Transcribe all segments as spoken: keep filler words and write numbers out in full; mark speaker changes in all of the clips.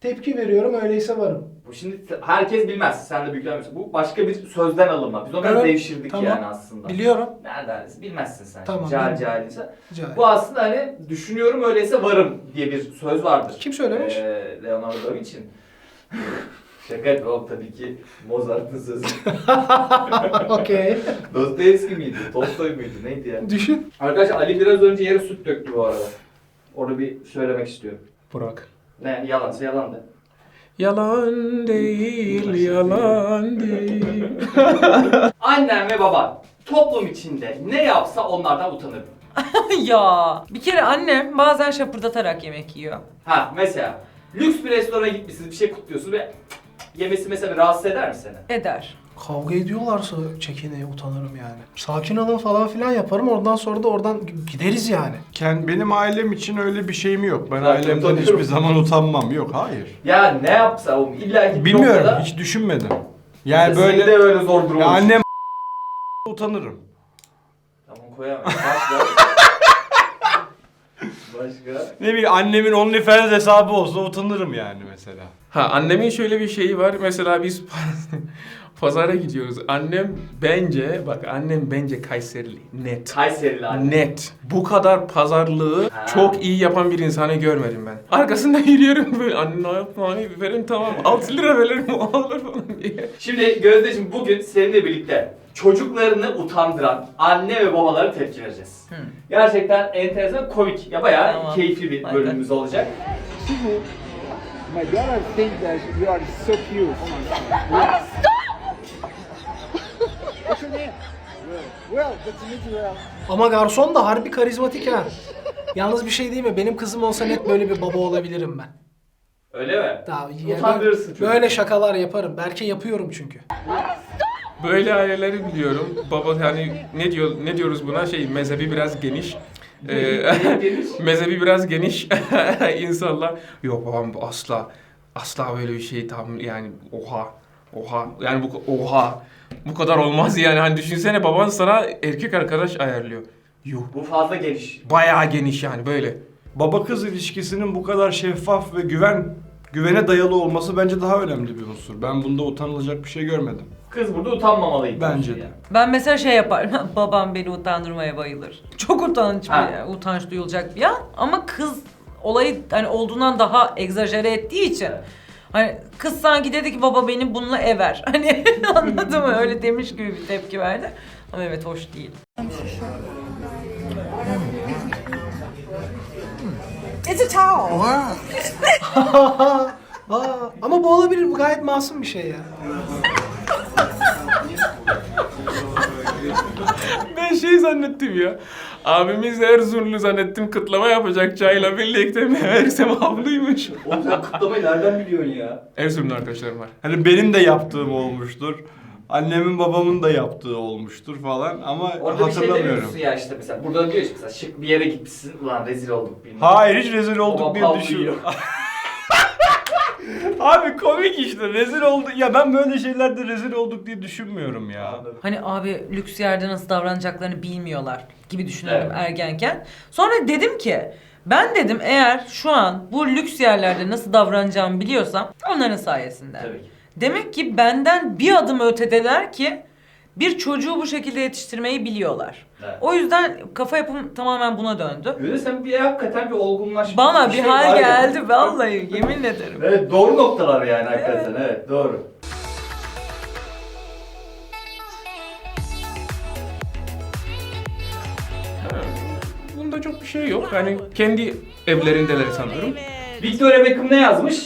Speaker 1: Tepki veriyorum, öyleyse varım.
Speaker 2: Bu şimdi herkes bilmez. Sen de büyüklenmiyorsun. Bu başka bir sözden alınma. Biz onu
Speaker 1: Evet,
Speaker 2: devşirdik
Speaker 1: tamam.
Speaker 2: yani aslında.
Speaker 1: Biliyorum.
Speaker 2: Nereden? Bilmezsin sen.
Speaker 1: Tamam,
Speaker 2: Cahil
Speaker 1: bilmiyorum.
Speaker 2: cahilse.
Speaker 1: Cahil.
Speaker 2: Bu aslında hani düşünüyorum öyleyse varım diye bir söz vardır.
Speaker 1: Kim söylemiş?
Speaker 2: Ee, Leonardo da Vinci'nin. Şaka yapıyorum tabii ki Mozart'ın sözü.
Speaker 1: Okey.
Speaker 2: Dostoyevski miydi? Tolstoy muydu? Neydi ya?
Speaker 1: Düşün.
Speaker 2: Arkadaşlar Ali biraz önce yere süt döktü bu arada. Onu bir söylemek istiyorum.
Speaker 3: Burak.
Speaker 2: Ne? Yalansa yalan de.
Speaker 3: Yalan değil, yalan değil.
Speaker 2: Annen ve baban toplum içinde ne yapsa onlardan utanırım.
Speaker 4: Ya bir kere annem bazen şapırdatarak yemek yiyor.
Speaker 2: Ha mesela lüks bir restorana gitmişsiniz, bir şey kutluyorsunuz ve yemesi mesela rahatsız eder mi seni?
Speaker 4: Eder.
Speaker 1: Kavga ediyorlarsa çekineye utanırım yani. Sakin olun falan filan yaparım, oradan sonra da oradan gideriz yani.
Speaker 5: Ken- Benim ailem için öyle bir şeyim yok. Ben
Speaker 2: Ben
Speaker 5: ailemden
Speaker 2: utanıyorum.
Speaker 5: hiçbir zaman utanmam. Yok, hayır.
Speaker 2: Ya ne yapsa o illa ki bir
Speaker 5: Bilmiyorum,
Speaker 2: noktada
Speaker 5: hiç düşünmedim. Yani
Speaker 2: seni
Speaker 5: böyle
Speaker 2: de öyle zor durum
Speaker 5: ya
Speaker 2: olur.
Speaker 5: annem utanırım.
Speaker 2: Tamam koyamam. Başka? Başka?
Speaker 5: Ne bileyim, annemin OnlyFans hesabı olsa utanırım yani mesela.
Speaker 3: Ha, annemin şöyle bir şeyi var. Mesela biz pazara gidiyoruz. Annem bence, bak annem bence Kayserili. Net.
Speaker 2: Kayserili anne.
Speaker 3: Net. Bu kadar pazarlığı
Speaker 2: Ha.
Speaker 3: çok iyi yapan bir insanı görmedim ben. Arkasında yürüyorum böyle, anne ne yapma, hani verin tamam altı lira veririm o alır falan diye.
Speaker 2: Şimdi Gözdeciğim bugün seninle birlikte çocuklarını utandıran anne ve babalara tepki vereceğiz.
Speaker 4: Hı.
Speaker 2: Gerçekten enteresan, komik, ya bayağı
Speaker 4: Tamam.
Speaker 2: keyifli bir
Speaker 4: Hadi.
Speaker 2: bölümümüz olacak.
Speaker 6: My daughter thinks that you are so cute. Oh my god. What's your name? Will. Will, good to meet you, Will.
Speaker 1: Ama garson da harbi karizmatik ha. Yalnız bir şey değil mi? Benim kızım olsa net böyle bir baba olabilirim ben.
Speaker 2: Öyle mi?
Speaker 1: Daha yani
Speaker 2: Utandırırsın çocuğu.
Speaker 1: böyle şakalar yaparım. Belki yapıyorum çünkü.
Speaker 3: Böyle aileleri biliyorum. Baba hani ne diyor ne diyoruz buna, şey mezhebi biraz geniş. Ee,
Speaker 2: Geniş.
Speaker 3: mezhebi biraz geniş insanlar. Yok babam asla asla böyle bir şey tam yani oha oha yani bu oha bu kadar olmaz yani, hani düşünsene baban sana erkek arkadaş ayarlıyor. Yuh,
Speaker 2: Bu fazla geniş.
Speaker 3: bayağı geniş yani böyle.
Speaker 5: Baba kız ilişkisinin bu kadar şeffaf ve güven güvene dayalı olması bence daha önemli bir unsur. Ben bunda utanılacak bir şey görmedim.
Speaker 2: Kız burada utanmamalıydı.
Speaker 5: Bence de.
Speaker 2: Yani.
Speaker 4: Ben mesela şey yaparım. Babam beni utandırmaya bayılır. Çok utanç
Speaker 2: Ha.
Speaker 4: bir, utanç duyulacak bir an. Ama kız olayı hani olduğundan daha egzajere ettiği için.
Speaker 2: Evet.
Speaker 4: Hani kız sanki dedi ki baba beni bununla ever. Hani anladın mı? Öyle demiş gibi bir tepki verdi. Ama evet, hoş değil.
Speaker 1: Aa, ama bu olabilir. Bu gayet masum bir şey ya.
Speaker 3: Ben şey zannettim ya. Abimiz Erzurumlu zannettim, kıtlama yapacak çayla birlikte, meğersem havluymuş.
Speaker 2: Oğlum sen kutlamayı nereden biliyorsun ya?
Speaker 3: Erzurumlu arkadaşlarım var.
Speaker 5: Hani benim de yaptığım olmuştur. Annemin babamın da yaptığı olmuştur falan ama
Speaker 2: Orada bir şey
Speaker 5: hatırlamıyorum.
Speaker 2: demiyorsun ya işte mesela. Burada diyor işte mesela şık bir yere gitmişsin. Ulan rezil olduk bilmem.
Speaker 5: Hayır, hiç rezil
Speaker 2: Baba
Speaker 5: olduk diye
Speaker 2: pavlıyor.
Speaker 5: düşünüyorum. Abi komik işte, rezil olduk. Ya ben böyle şeylerde rezil olduk diye düşünmüyorum ya.
Speaker 2: Anladım.
Speaker 4: Hani abi lüks yerde nasıl davranacaklarını bilmiyorlar gibi düşünüyordum
Speaker 2: Evet.
Speaker 4: ergenken. Sonra dedim ki ben dedim eğer şu an bu lüks yerlerde nasıl davranacağımı biliyorsam onların sayesinde.
Speaker 2: Tabii ki.
Speaker 4: Demek ki benden bir adım ötedeler ki bir çocuğu bu şekilde yetiştirmeyi biliyorlar.
Speaker 2: Evet.
Speaker 4: O yüzden kafa yapım tamamen buna döndü.
Speaker 2: Böyle sen bir hakikaten bir olgunlaş.
Speaker 4: Bana bir
Speaker 2: şey
Speaker 4: hal
Speaker 2: var ya.
Speaker 4: geldi vallahi, yemin ederim.
Speaker 2: Evet, doğru noktalar yani hakikaten. Evet, doğru.
Speaker 3: Bunda çok bir şey yok. Hani kendi evlerindeler sanırım.
Speaker 2: Victoria Beckham ne yazmış?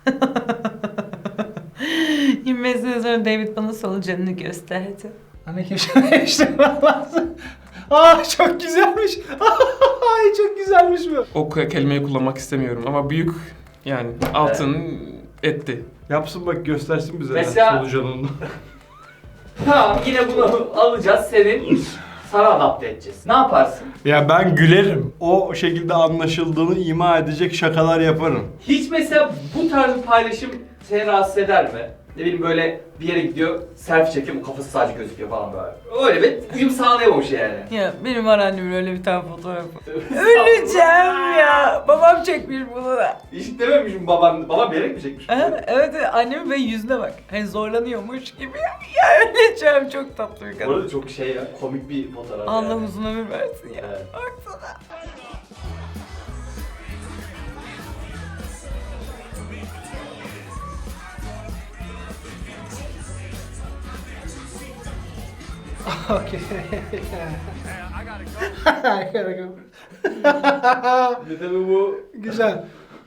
Speaker 4: İnmesinden sonra David bana solucanını gösterdi.
Speaker 1: Hani keşke değiştirmem lazım. Aa, çok güzelmiş. Ay, çok güzelmiş bu.
Speaker 3: O ke- kelimeyi kullanmak istemiyorum ama büyük yani altın etti.
Speaker 5: Yapsın bak, göstersin bize
Speaker 2: Mesela-
Speaker 5: solucanını.
Speaker 2: Tamam, yine bunu alacağız, senin sana adapte edeceğiz. Ne yaparsın?
Speaker 5: Ya ben gülerim. O şekilde anlaşıldığını ima edecek şakalar yaparım.
Speaker 2: Hiç mesela bu tarz bir paylaşım seni rahatsız eder mi? Ne bileyim böyle bir yere gidiyor, selfie çekiyor, o kafası sadece gözüküyor falan böyle. Öyle bir uyum sağlayamamış yani.
Speaker 4: Ya benim var annemin öyle bir tane fotoğrafı. Öleceğim ya. Babam çekmiş bunu da.
Speaker 2: Hiç dememişim baban, babam bilerek mi çekmiş?
Speaker 4: Ha, evet evet, annemin ve yüzüne bak. Hani zorlanıyormuş gibi. Ya öleceğim, çok tatlı bir
Speaker 2: Bu
Speaker 4: kadın.
Speaker 2: arada çok şey ya, komik bir fotoğraf
Speaker 4: Allah
Speaker 2: yani.
Speaker 4: uzun ömür versin ya.
Speaker 2: Evet.
Speaker 4: Baksana.
Speaker 1: Okay. I gotta go.
Speaker 2: Bir tabii bu
Speaker 1: Güzel.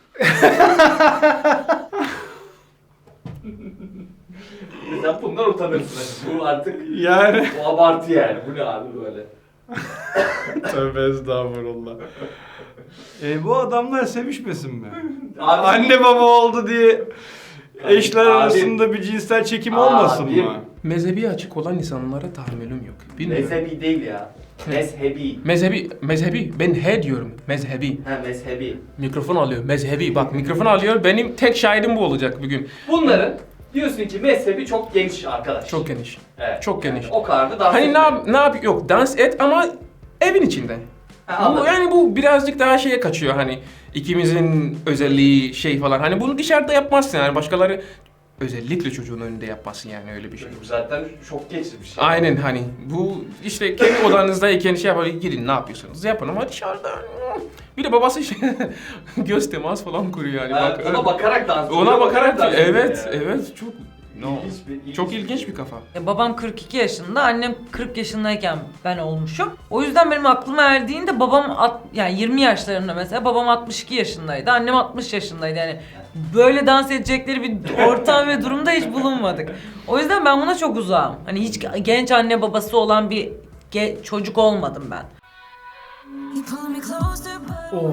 Speaker 2: sen bundan utanırsın. Bu artık
Speaker 5: Yani.
Speaker 2: bu abartı yani. Bu ne abi böyle?
Speaker 5: Tövbe estağfurullah. E, bu adamlar sevişmesin mi?
Speaker 2: Abi,
Speaker 5: Anne baba oldu diye eşler
Speaker 2: Abi.
Speaker 5: arasında bir cinsel çekim
Speaker 2: Abi.
Speaker 5: olmasın mı?
Speaker 3: Mezhebi açık olan insanlara tahammülüm yok. Bilmiyorum.
Speaker 2: mezhebi değil ya. Mezhebi.
Speaker 3: Mezhebi, mezhebi. Ben he diyorum. Mezhebi.
Speaker 2: Ha mezhebi.
Speaker 3: Mikrofon alıyor. Mezhebi. Bak mikrofon alıyor. Benim tek şahidim bu olacak bugün.
Speaker 2: Bunların diyorsun ki mezhebi çok geniş arkadaş.
Speaker 3: Çok geniş.
Speaker 2: Evet.
Speaker 3: çok
Speaker 2: Yani
Speaker 3: geniş.
Speaker 2: o kadar da dans
Speaker 3: Hani ne
Speaker 2: etmiyor.
Speaker 3: yap, ne yap yok dans et ama evin içinde.
Speaker 2: Ha,
Speaker 3: Bu,
Speaker 2: anladım.
Speaker 3: yani bu birazcık daha şeye kaçıyor hani ikimizin özelliği şey falan. Hani bunu dışarıda yapmazsın yani başkaları özellikle çocuğun önünde yapmasın yani öyle bir şey.
Speaker 2: Çocuk zaten şok geçirmiş. yani.
Speaker 3: Aynen hani bu işte kendi odanızdayken şey yapalım gidin ne yapıyorsunuz yapın ama dışarıda bir de babası şey, göz temas falan kuruyor yani.
Speaker 2: Ha,
Speaker 3: Bak,
Speaker 2: ona bakarak dans
Speaker 3: ona bakarak
Speaker 2: dans ediyor
Speaker 3: evet
Speaker 2: yani.
Speaker 3: evet çok no.
Speaker 2: İlginç bir- ilginç
Speaker 3: Çok
Speaker 2: bir
Speaker 3: ilginç
Speaker 2: şey.
Speaker 3: bir kafa.
Speaker 4: Ya babam kırk iki yaşında, annem kırk yaşındayken ben olmuşum. O yüzden benim aklıma erdiğinde babam at, yani yirmi yaşlarında mesela, babam altmış iki yaşındaydı, annem altmış yaşındaydı yani. Böyle dans edecekleri bir ortam ve durumda hiç bulunmadık. O yüzden ben buna çok uzağım. Hani hiç genç anne babası olan bir ge- çocuk olmadım ben.
Speaker 1: Oo.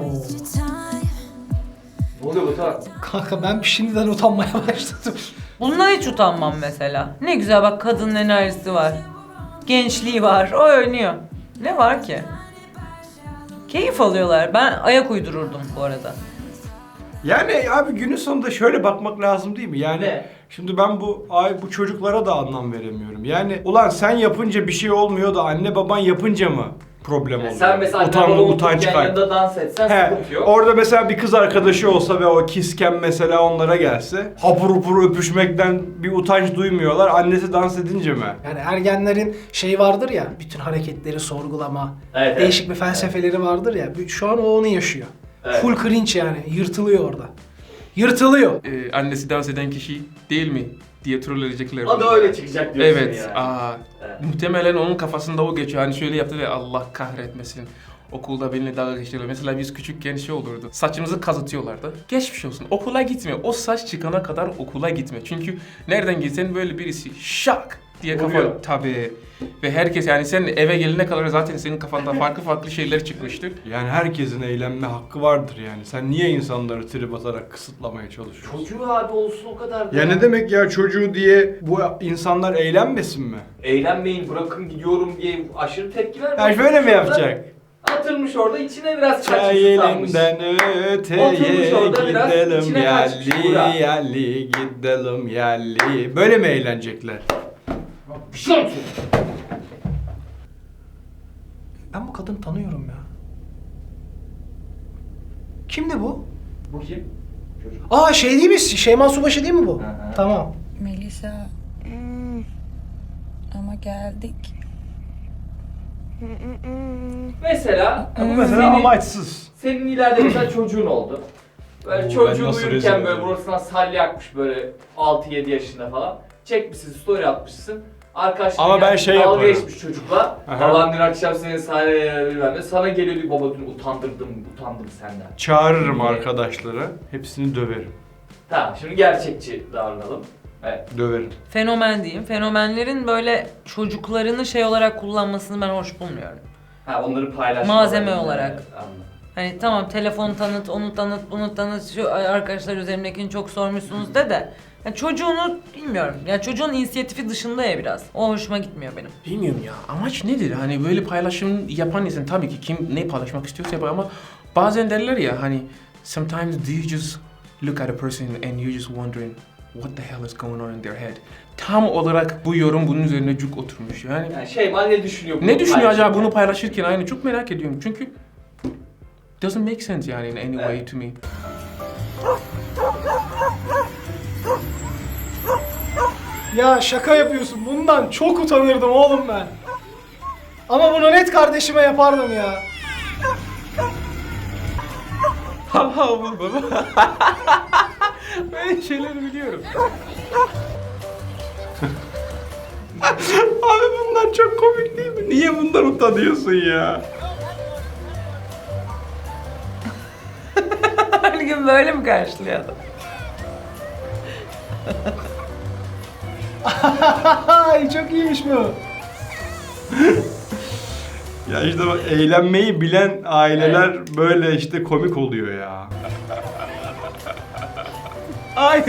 Speaker 2: Ne oluyor bu taraf?
Speaker 1: Kanka ben şimdiden utanmaya başladım.
Speaker 4: Bundan hiç utanmam mesela. Ne güzel bak, kadının enerjisi var. Gençliği var, o oynuyor. Ne var ki? Keyif alıyorlar. Ben ayak uydururdum bu arada.
Speaker 5: Yani abi günün sonunda şöyle bakmak lazım değil mi? Yani
Speaker 2: Ne?
Speaker 5: şimdi ben bu ay bu çocuklara da anlam veremiyorum. Yani ulan sen yapınca bir şey olmuyor da anne baban yapınca mı problem
Speaker 2: Yani
Speaker 5: oluyor?
Speaker 2: sen mesela anne
Speaker 5: Utanma,
Speaker 2: baba
Speaker 5: utanç
Speaker 2: otururken
Speaker 5: kay-
Speaker 2: yanında dans etsen
Speaker 5: He,
Speaker 2: sıkıntı yok.
Speaker 5: orada mesela bir kız arkadaşı olsa ve o kisken mesela onlara gelse hapur hupur öpüşmekten bir utanç duymuyorlar. Annesi dans edince mi?
Speaker 1: Yani ergenlerin şey vardır ya, bütün hareketleri sorgulama,
Speaker 2: Evet, evet.
Speaker 1: değişik bir felsefeleri vardır ya. Şu an o onu yaşıyor.
Speaker 2: Evet.
Speaker 1: Full cringe yani, yırtılıyor orada. Yırtılıyor.
Speaker 3: Ee, annesi dans eden kişi değil mi diye troll edecekler.
Speaker 2: O da öyle çıkacak diyorsun
Speaker 3: Evet.
Speaker 2: yani.
Speaker 3: Aa,
Speaker 2: Evet.
Speaker 3: muhtemelen onun kafasında o geçiyor. Hani şöyle yaptı ve Allah kahretmesin. Okulda benimle dalga geçiyorlar. Mesela biz küçükken şey olurdu. Saçımızı kazıtıyorlardı. Geçmiş olsun. Okula gitme. O saç çıkana kadar okula gitme. Çünkü nereden gitsen böyle birisi şak diye kafa
Speaker 2: Vuruyor.
Speaker 3: tabii. Ve herkes yani sen eve gelene kadar zaten senin kafanda farklı farklı şeyler çıkmıştır.
Speaker 5: Yani herkesin eğlenme hakkı vardır yani. Sen niye insanları trip atarak kısıtlamaya çalışıyorsun?
Speaker 2: Çocuğu abi olsun o kadar da.
Speaker 5: Ya ne demek ya çocuğu diye bu insanlar eğlenmesin mi?
Speaker 2: Eğlenmeyin, bırakın gidiyorum diye aşırı tepki vermeyin.
Speaker 5: Ya şöyle mi yapacak?
Speaker 2: Atılmış orada, içine biraz
Speaker 5: Çay
Speaker 2: kaçmış tutanmış.
Speaker 5: elinden öteye
Speaker 2: Oturmuş orada biraz
Speaker 5: gidelim
Speaker 2: içine kaçmış
Speaker 5: yerli
Speaker 2: Buğra.
Speaker 5: yerli gidelim yerli. Böyle mi eğlenecekler?
Speaker 2: Bir şey olsun.
Speaker 1: Ben bu kadını tanıyorum ya. Kimdi bu?
Speaker 2: Bu kim? Çocuk.
Speaker 1: Aa şey değil mi? Şeyma Subaşı değil mi bu?
Speaker 2: Hı hı.
Speaker 1: Tamam.
Speaker 7: Melisa. Ama geldik.
Speaker 2: Mesela,
Speaker 5: Bu mesela
Speaker 2: senin,
Speaker 5: amaçsız.
Speaker 2: senin ileride mesela çocuğun oldu. Böyle
Speaker 5: Oo, ben
Speaker 2: çocuğun
Speaker 5: nasıl rezil
Speaker 2: uyurken böyle
Speaker 5: oluyorum.
Speaker 2: burasından salya akmış böyle altı yedi yaşında falan. Çekmişsin, story atmışsın. Arkadaşlar
Speaker 5: Ama ben şey
Speaker 2: dalga
Speaker 5: yaparım.
Speaker 2: geçmiş çocukla.
Speaker 5: Aha.
Speaker 2: Baban dün akşam seni sahneye bilmem ne. Sana geliyor diyor, baba dün utandırdım, utandım senden.
Speaker 5: Çağırırım arkadaşları. Hepsini döverim.
Speaker 2: Tamam, şimdi gerçekçi davranalım. Evet.
Speaker 5: Döverim.
Speaker 4: Fenomen diyeyim. Fenomenlerin böyle çocuklarını şey olarak kullanmasını ben hoş bulmuyorum.
Speaker 2: Ha, onları paylaşma.
Speaker 4: Malzeme olarak.
Speaker 2: Evet, anladım.
Speaker 4: Hani tamam, telefon tanıt, onu tanıt, bunu tanıt, şu arkadaşlar üzerimdekini çok sormuşsunuz de de. Yani çocuğunu bilmiyorum. Yani çocuğun inisiyatifi dışında ya biraz. O hoşuma gitmiyor benim.
Speaker 3: Bilmiyorum ya amaç nedir? Hani böyle paylaşım yapan insan tabii ki kim ne paylaşmak istiyorsa yapar ama bazen derler ya hani sometimes do you just look at a person and you just wondering what the hell is going on in their head? Tam olarak bu yorum bunun üzerine cuk oturmuş yani.
Speaker 2: Yani Şeyma ne düşünüyor?
Speaker 3: Ne düşünüyor acaba
Speaker 2: paylaşırken?
Speaker 3: bunu paylaşırken? Aynı çok merak ediyorum çünkü doesn't make sense yani in any way
Speaker 2: Evet.
Speaker 3: to me.
Speaker 1: Ya şaka yapıyorsun. Bundan çok utanırdım oğlum ben. Ama bunu net kardeşime yapardım ya.
Speaker 3: Ha ha baba. Böyle şeyleri biliyorum.
Speaker 5: Abi bunlar çok komik değil mi? Niye bundan utanıyorsun ya?
Speaker 4: Her gün böyle mi karşılıyor adam?
Speaker 1: Ay çok iyiymiş bu.
Speaker 5: Ya işte bak, eğlenmeyi bilen aileler böyle işte komik oluyor ya.
Speaker 3: Ay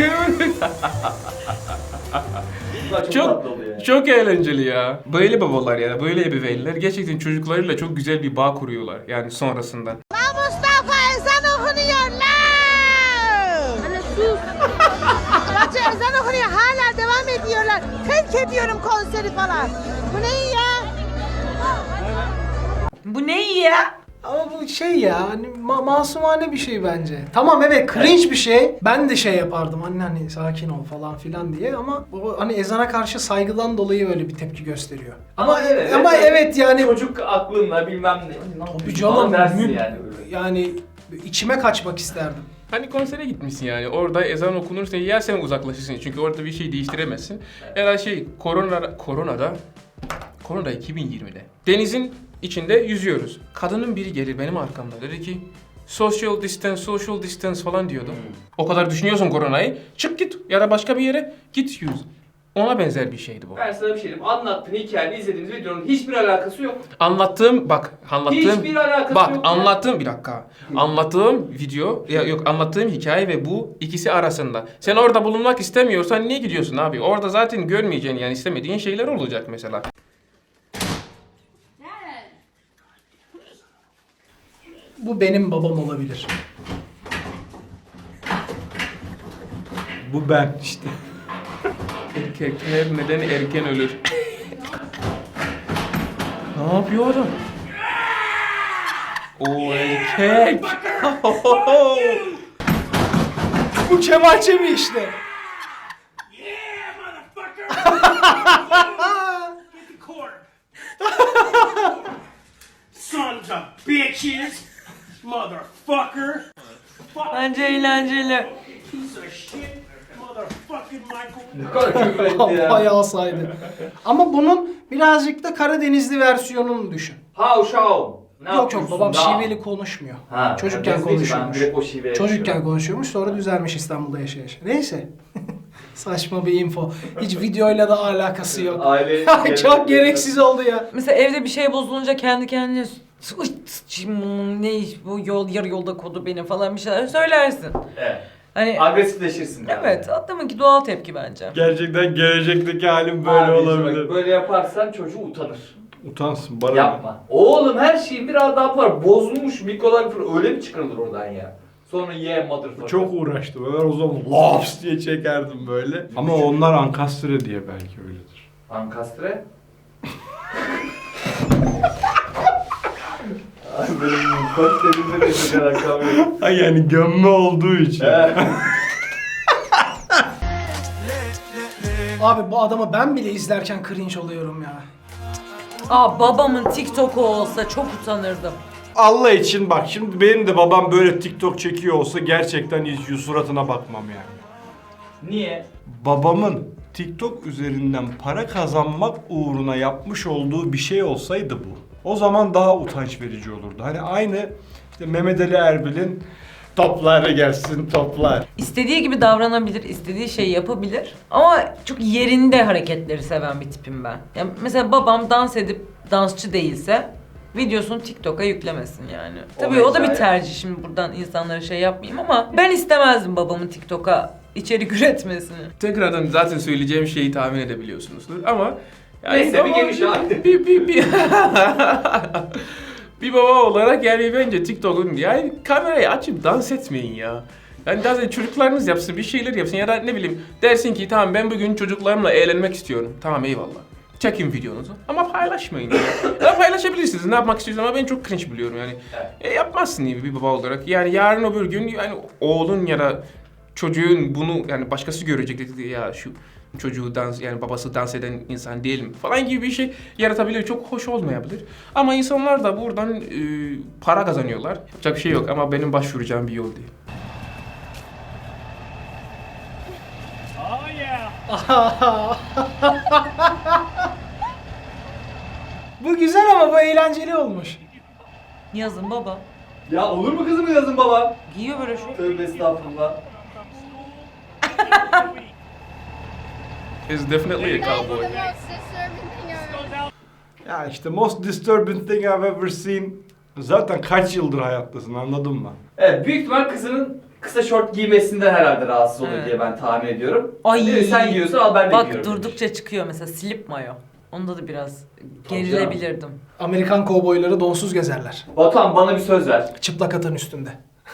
Speaker 2: Bunlar çok,
Speaker 3: çok
Speaker 2: tatlı oluyor yani.
Speaker 3: çok eğlenceli ya. Böyle babalar ya, böyle ebeveynler gerçekten çocuklarıyla çok güzel bir bağ kuruyorlar yani sonrasında.
Speaker 7: Mustafa ezan okunuyor lan! Anne sus! Bence ezan okunuyor hala devam ediyorlar. Terk ediyorum konseri falan. Bu ne ya?
Speaker 4: Bu ne iyi ya?
Speaker 1: Ama bu şey ya hani ma- masumane bir şey bence. Tamam evet cringe bir şey. Ben de şey yapardım anne hani sakin ol falan filan diye ama o hani ezana karşı saygıdan dolayı öyle bir tepki gösteriyor. Ama
Speaker 2: Ama evet,
Speaker 1: ama
Speaker 2: evet.
Speaker 1: evet yani
Speaker 2: Çocuk aklınla bilmem ne.
Speaker 1: tabii canım
Speaker 2: dersin
Speaker 1: mü-
Speaker 2: yani.
Speaker 1: yani içime kaçmak isterdim.
Speaker 3: Hani konsere gitmişsin yani orada ezan okunursa ya sen uzaklaşırsın çünkü orada bir şey değiştiremezsin. Ya da şey korona koronada korona iki bin yirmide denizin içinde yüzüyoruz. Kadının biri gelir benim arkamda dedi ki social distance social distance falan diyordu. O kadar düşünüyorsun koronayı çık git ya da başka bir yere git yüz. Ona benzer bir şeydi bu.
Speaker 2: Ben sana bir şey diyeyim. Anlattığın hikayeni izlediğimiz videonun hiçbir alakası yok.
Speaker 3: Anlattığım bak anlattığım
Speaker 2: Hiçbir alakası
Speaker 3: bak
Speaker 2: yok ya.
Speaker 3: anlattığım bir dakika. Anlattığım video ya yok anlattığım hikaye ve bu ikisi arasında. Sen orada bulunmak istemiyorsan niye gidiyorsun abi? Orada zaten görmeyeceğin yani istemediğin şeyler olacak mesela.
Speaker 1: Bu benim babam olabilir.
Speaker 5: Bu ben işte.
Speaker 3: Erkekler neden erken ölür? Ne yapıyor adam? O erkek.
Speaker 1: Bu Kemal Çemi işte.
Speaker 8: Sons of bitches! Motherfucker!
Speaker 4: Bence eğlenceli.
Speaker 8: Piece of shit! Motherfucking Michael!
Speaker 2: Ne kadar küfür etti ya.
Speaker 1: Bayağı saydı. Ama bunun birazcık da Karadenizli versiyonunu düşün.
Speaker 2: How show. Ne
Speaker 1: yok yok
Speaker 2: yapıyorsun
Speaker 1: babam
Speaker 2: da?
Speaker 1: şiveli konuşmuyor.
Speaker 2: Ha,
Speaker 1: Çocukken
Speaker 2: ben de-
Speaker 1: konuşuyormuş.
Speaker 2: Ben direkt o şiveye
Speaker 1: Çocukken
Speaker 2: yaşıyorum.
Speaker 1: konuşuyormuş sonra düzelmiş İstanbul'da yaşa yaşa. Neyse. Saçma bir info. Hiç videoyla da alakası yok.
Speaker 2: Aile-
Speaker 1: Çok gereksiz oldu ya.
Speaker 4: Mesela evde bir şey bozulunca kendi kendine "Uy, sıçayım, ne iş bu yol yarı yolda kodu beni falan bir şeyler söylersin.
Speaker 2: Evet.
Speaker 4: Hani
Speaker 2: Agresifleşirsin. yani.
Speaker 4: evet adamınki doğal tepki bence.
Speaker 5: Gerçekten gelecekteki halim böyle
Speaker 2: Abi,
Speaker 5: olabilir.
Speaker 2: bak, böyle yaparsan çocuğu utanır.
Speaker 5: Utansın bana.
Speaker 2: Yapma. Oğlum her şeyin bir adabı var. Bozulmuş mikrolar falan öyle mi çıkarılır oradan ya? Sonra ye motherfucker.
Speaker 5: Çok uğraştım. Ben o zaman laps diye çekerdim böyle. Ama onlar ankastre diye belki öyledir.
Speaker 2: Ankastre. Ay benim mutfak dediğimde de çok alakam yok.
Speaker 5: Ha yani gömme olduğu için.
Speaker 1: Abi bu adamı ben bile izlerken cringe oluyorum ya.
Speaker 4: Aa babamın TikTok'u olsa çok utanırdım.
Speaker 5: Allah için bak şimdi benim de babam böyle TikTok çekiyor olsa gerçekten hiç yüz suratına bakmam yani.
Speaker 2: Niye?
Speaker 5: Babamın TikTok üzerinden para kazanmak uğruna yapmış olduğu bir şey olsaydı bu. O zaman daha utanç verici olurdu. Hani aynı işte Mehmet Ali Erbil'in toplar gelsin toplar.
Speaker 4: İstediği gibi davranabilir, istediği şeyi yapabilir. Ama çok yerinde hareketleri seven bir tipim ben. Yani mesela babam dans edip dansçı değilse videosunu TikTok'a yüklemesin yani.
Speaker 2: O
Speaker 4: Tabii o da bir
Speaker 2: hikaye.
Speaker 4: tercih, şimdi buradan insanlara şey yapmayayım ama ben istemezdim babamın TikTok'a içerik üretmesini.
Speaker 3: Tekrardan zaten söyleyeceğim şeyi tahmin edebiliyorsunuzdur ama yani
Speaker 2: Neyse, bir
Speaker 3: baba-
Speaker 2: geniş abi.
Speaker 3: bir, bir, bir, bir baba olarak yani bence TikTok'un yani kamerayı açıp dans etmeyin ya. Yani daha çocuklarınız yapsın, bir şeyler yapsın ya da ne bileyim dersin ki tamam ben bugün çocuklarımla eğlenmek istiyorum. Tamam eyvallah. Çekin videonuzu ama paylaşmayın. Yani. Ya paylaşabilirsiniz ne yapmak istiyorsunuz ama ben çok cringe biliyorum yani.
Speaker 2: Evet.
Speaker 3: E, yapmazsın gibi bir baba olarak. Yani yarın öbür gün yani oğlun ya da çocuğun bunu yani başkası görecek dedi ya şu çocuğu dans yani babası dans eden insan değil mi falan gibi bir şey yaratabilir. Çok hoş olmayabilir. Ama insanlar da buradan e, para kazanıyorlar. Yapacak bir şey yok ama benim başvuracağım bir yol değil.
Speaker 8: Oh yeah.
Speaker 1: Bu güzel ama bu eğlenceli olmuş.
Speaker 4: Yazın baba.
Speaker 2: Ya olur mu kızım yazın baba?
Speaker 4: Giyiyor böyle şu.
Speaker 2: Tövbe estağfurullah.
Speaker 3: It's definitely a cowboy.
Speaker 5: Ya işte most disturbing thing I've ever seen. Zaten kaç yıldır hayattasın anladın mı?
Speaker 2: Evet büyük ihtimal kızının kısa şort giymesinden herhalde rahatsız oluyor
Speaker 4: Evet.
Speaker 2: diye ben tahmin ediyorum.
Speaker 4: Ay.
Speaker 2: Değil mi? Sen giyiyorsun al ben de
Speaker 4: Bak
Speaker 2: giyiyorum.
Speaker 4: durdukça çıkıyor mesela slip mayo. Onda da biraz gerilebilirdim.
Speaker 1: Amerikan kovboyları donsuz gezerler.
Speaker 2: Batuhan bana bir söz ver.
Speaker 1: Çıplak atın üstünde.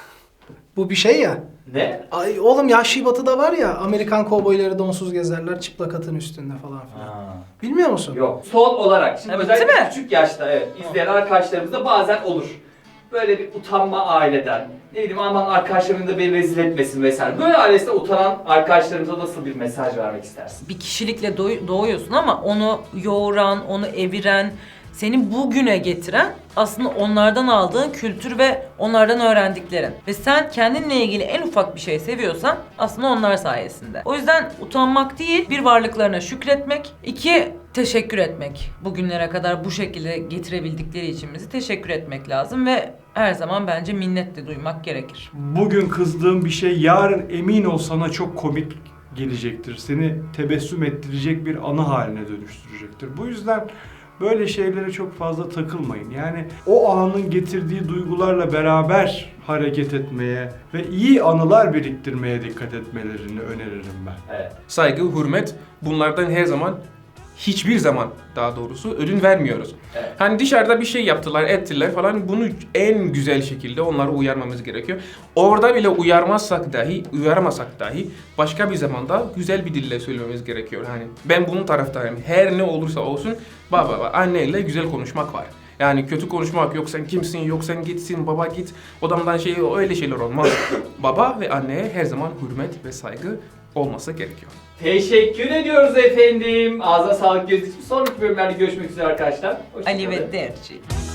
Speaker 1: Bu bir şey ya.
Speaker 2: Ne?
Speaker 1: Ay oğlum Yahşi Batı'da var ya Amerikan kovboyları donsuz gezerler çıplak atın üstünde falan filan. Bilmiyor musun?
Speaker 2: Yok. Son olarak şimdi
Speaker 4: Ha,
Speaker 2: özellikle
Speaker 4: bitti mi?
Speaker 2: küçük yaşta evet izleyen arkadaşlarımızda bazen olur. Böyle bir utanma aileden. Ne bileyim aman arkadaşlarım da beni rezil etmesin vesaire. Böyle ailesinde utanan arkadaşlarımıza nasıl bir mesaj vermek istersin?
Speaker 4: Bir kişilikle doğ- doğuyorsun ama onu yoğuran, onu eviren, seni bugüne getiren aslında onlardan aldığın kültür ve onlardan öğrendiklerin. Ve sen kendinle ilgili en ufak bir şey seviyorsan aslında onlar sayesinde. O yüzden utanmak değil, bir varlıklarına şükretmek, iki teşekkür etmek. Bugünlere kadar bu şekilde getirebildikleri için bizi teşekkür etmek lazım ve her zaman bence minnetle duymak gerekir.
Speaker 5: Bugün kızdığın bir şey yarın emin ol sana çok komik gelecektir. Seni tebessüm ettirecek bir anı haline dönüştürecektir. Bu yüzden böyle şeylere çok fazla takılmayın. Yani o anın getirdiği duygularla beraber hareket etmeye ve iyi anılar biriktirmeye dikkat etmelerini öneririm ben.
Speaker 2: Evet.
Speaker 3: Saygı, hürmet bunlardan her zaman hiçbir zaman daha doğrusu ödün vermiyoruz.
Speaker 2: Evet.
Speaker 3: Hani dışarıda bir şey yaptılar, ettiler falan bunu en güzel şekilde onları uyarmamız gerekiyor. Orada bile uyarmazsak dahi, uyarmasak dahi başka bir zamanda güzel bir dille söylememiz gerekiyor. Hani ben bunun taraftarıyım. Her ne olursa olsun baba, baba anneyle güzel konuşmak var. Yani kötü konuşmak yok sen kimsin yok sen gitsin baba git odamdan şey öyle şeyler olmaz. Baba ve anneye her zaman hürmet ve saygı olması gerekiyor.
Speaker 2: Teşekkür ediyoruz efendim. Ağzına sağlık gözü için. Sonraki bölümlerde görüşmek üzere arkadaşlar. Hoşça
Speaker 4: Ali
Speaker 2: kalın.
Speaker 4: ve Derci.